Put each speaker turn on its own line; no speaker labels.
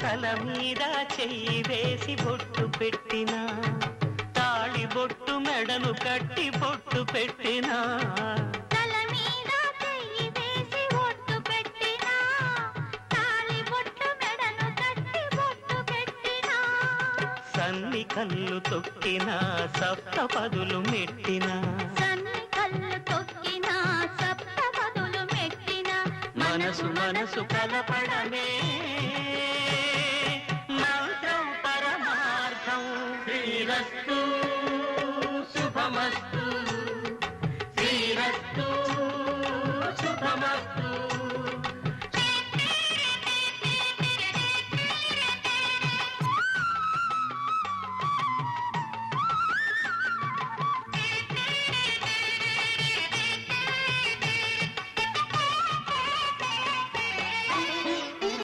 తల మీద చెయ్యి వేసి బొట్టు పెట్టినా, తాళి బొట్టు మెడను కట్టి బొట్టు పెట్టినా,
తల మీద చెయ్యి వేసి బొట్టు పెట్టినా, తాళి బొట్టు మెడను కట్టి బొట్టు పెట్టినా,
సన్ని కళ్ళు తొక్కినా సప్తపదులు మెట్టినా,
సన్ని కళ్ళు తొక్కినా సప్తపదులు మెట్టినా,
మనసు మనసు కలపడమే